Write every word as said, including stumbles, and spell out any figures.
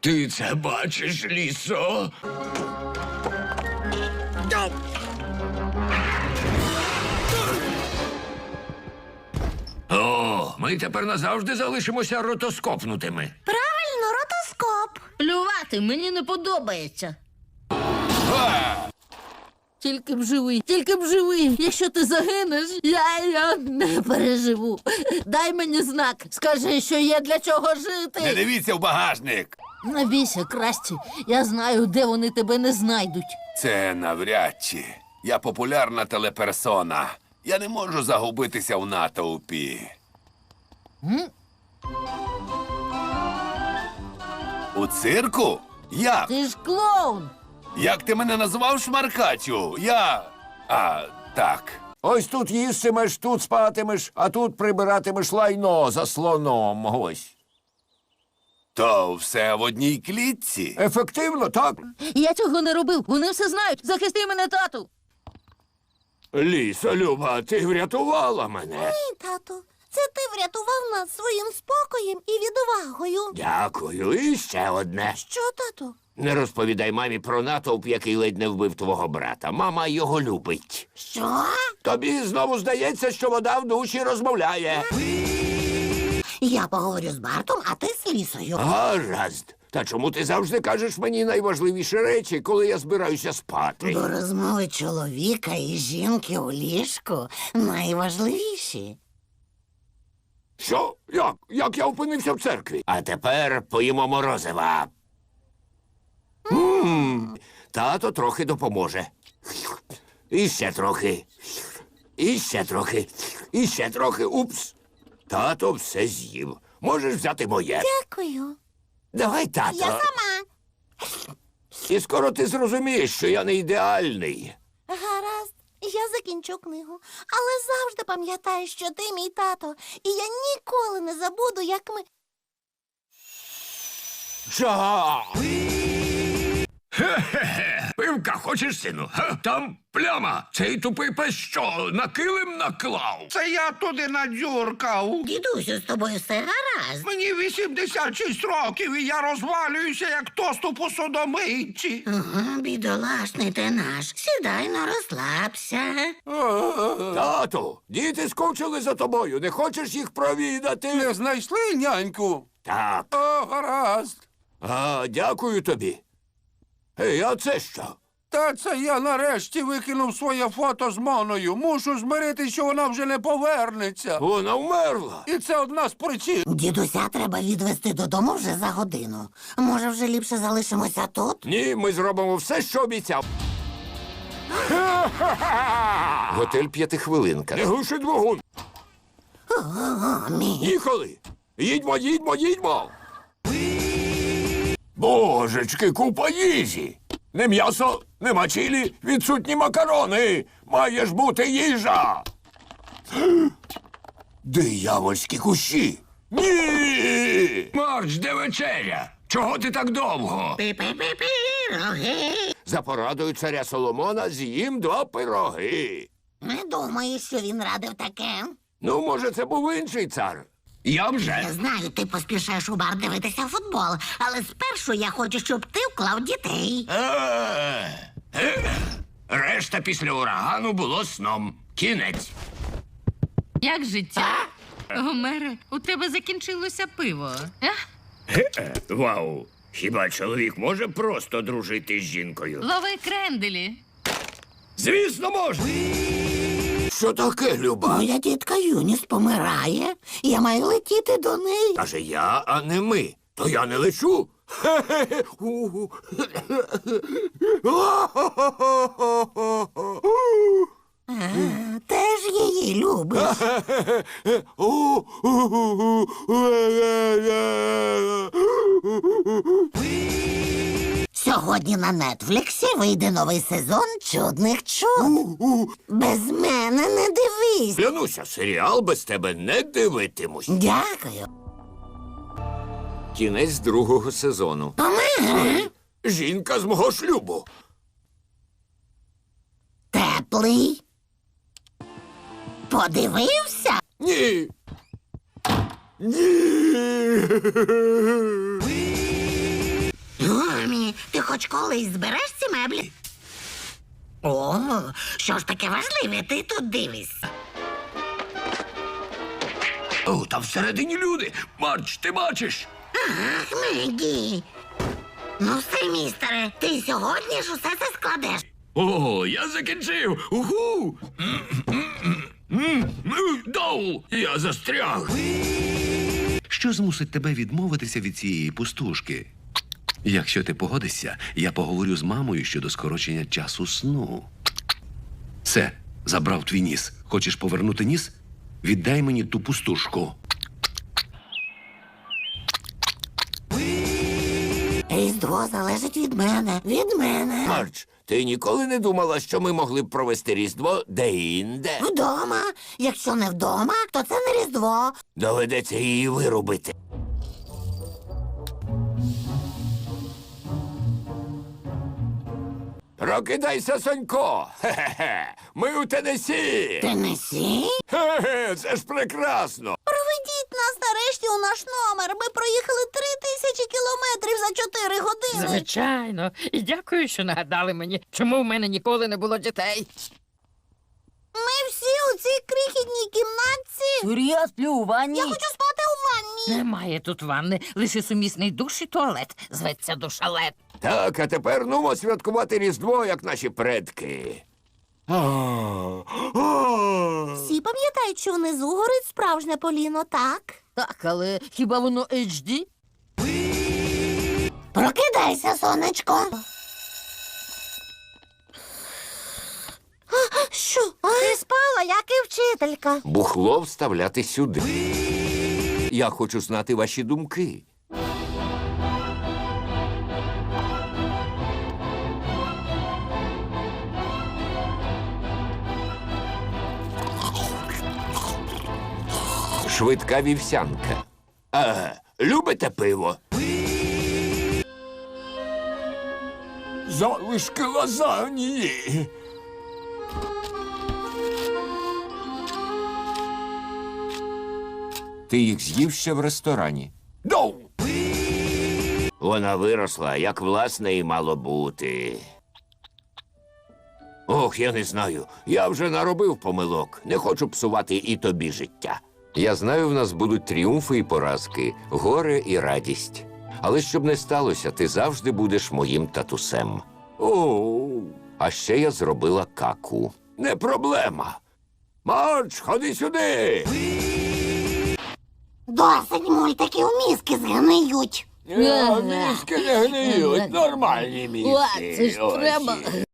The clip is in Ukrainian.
Ти це бачиш, лісо? О, ми тепер назавжди залишимося ротоскопнутими. Правильно, ротоскоп. Плювати мені не подобається. Тільки б живий, тільки б живий. Якщо ти загинеш, я, я не переживу. Дай мені знак, скажи, що є для чого жити. Не дивіться в багажник. Не бійся, Красті, я знаю, де вони тебе не знайдуть. Це навряд чи. Я популярна телеперсона. Я не можу загубитися в натовпі. М? У цирку? Як? Ти ж клоун. Як ти мене назвав, шмаркачу? Я... А, так. Ось тут їстимеш, тут спатимеш, а тут прибиратимеш лайно за слоном. Ось. То все в одній клітці? Ефективно, так? Я цього не робив, вони все знають. Захисти мене, тату. Лісо, Люба, ти врятувала мене. Ні, тату, це ти врятував нас своїм спокоєм і відвагою. Дякую. І ще одне. Що, тату? Не розповідай мамі про натовп, який ледь не вбив твого брата. Мама його любить. Що? Тобі знову здається, що вода в душі розмовляє. Я поговорю з Бартом, а ти з Лісою. Гаразд. Та чому ти завжди кажеш мені найважливіші речі, коли я збираюся спати? Бо розмови чоловіка і жінки у ліжку найважливіші. Що? Як? Як я опинився в церкві? А тепер поїмо морозива. М, Тато трохи допоможе. І ще трохи. І ще трохи. І ще трохи. Упс. Тато все з'їв. Можеш взяти моє. Дякую. Давай, тато. Я сама. І скоро ти зрозумієш, що я не ідеальний. Гаразд, я закінчу книгу. Але завжди пам'ятай, що ти мій тато. І я ніколи не забуду, як ми... Жа! Хе-хе-хе. Пивка хочеш, сину? Га? Там пляма. Цей тупий пес що, на килим наклав? Це я туди надзюркав. Дідусю, з тобою все гаразд. Мені вісімдесят шість років, і я розвалююся, як тост у посудомийці. Ага, бідолашний ти наш. Сідай, но розслабся. Тату, діти скучили за тобою. Не хочеш їх провідати? Не знайшли няньку? Так. О, гаразд. А, дякую тобі. Ей, а це що? Та це я нарешті викинув своє фото з Моною. Мушу змиритися, що вона вже не повернеться. Вона вмерла. І це одна з причин. Дідуся треба відвезти додому вже за годину. Може, вже ліпше залишимося тут? Ні, ми зробимо все, що обіцяв. Готель п'ятихвилинка. Не глуши двигун. О, мій. Їхали. Їдьмо, їдьмо, їдьмо. Божечки, купа їжі. Не м'ясо, нема чилі, відсутні макарони. Має ж бути їжа. Диявольські кущі. Ні! Марч, де вечеря? Чого ти так довго? Пі-пі-пі-піроги. За порадою царя Соломона з'їм два пироги. Не думаю, що він радив таке. Ну, може, це був інший цар. Я вже. Я знаю, ти поспішаєш у бар дивитися футбол, але спершу я хочу, щоб ти вклав дітей. Е, е. Решта після урагану було сном. Кінець. Як життя? Гомере, у тебе закінчилося пиво. А? Вау. Хіба чоловік може просто дружити з жінкою? Лови кренделі. Звісно, може. Що таке, Люба? Моя тітка Юніс помирає. Я маю летіти до неї. Каже я, а не ми. То я не лечу. А, теж її любиш. Сьогодні на Нетфліксі вийде новий сезон «Чудних чуд». Без мене не дивись. Клянуся, серіал без тебе не дивитимусь. Дякую. Кінець другого сезону. Помер. Жінка з мого шлюбу. Теплий. Подивився? Ні. Ні. хоч колись збереш ці меблі? О, що ж таке важливе, ти тут дивишся. О, там всередині люди. Марч, ти бачиш? Ах, Мегі. Ну все, містере, ти сьогодні ж усе це складеш. О, я закінчив. Уху! Доу, я застряг. Що змусить тебе відмовитися від цієї пустушки? Якщо ти погодишся, я поговорю з мамою щодо скорочення часу сну. Все, забрав твій ніс. Хочеш повернути ніс? Віддай мені ту пустушку. Різдво залежить від мене, від мене. Марч, ти ніколи не думала, що ми могли б провести Різдво де-інде? Вдома. Якщо не вдома, то це не Різдво. Доведеться її вирубити. Прокидайся, Сонько! Хе-хе-хе! Ми у Теннессі! Теннессі? Хе-хе, це ж прекрасно! Проведіть нас нарешті у наш номер. Ми проїхали три тисячі кілометрів за чотири години. Звичайно. І дякую, що нагадали мені, чому в мене ніколи не було дітей. Ми всі у цій крихітній кімнатці. Я сплю у ванні. Я хочу спати у ванні. Немає тут ванни, лише сумісний душ і туалет. Зветься душалет. Так, а тепер нумо святкувати Різдво, як наші предки. Всі пам'ятають, що внизу горить справжнє поліно, так? Так, але хіба воно ейч ді? Прокидайся, сонечко. Що? Ти спала, як і вчителька. Бухло вставляти сюди. Я хочу знати ваші думки. Швидка вівсянка. А, любите пиво? Залишки лазаньї. Ти їх з'їв ще в ресторані. Доу! Вона виросла, як власне і мало бути. Ох, я не знаю. Я вже наробив помилок. Не хочу псувати і тобі життя. Я знаю, в нас будуть тріумфи і поразки, горе і радість. Але щоб не сталося, ти завжди будеш моїм татусем. О, а ще я зробила каку. Не проблема. Марч, ходи сюди. Досить мультиків, мізки згниють. Мізки не гниють, нормальні мізки. О, це ж треба.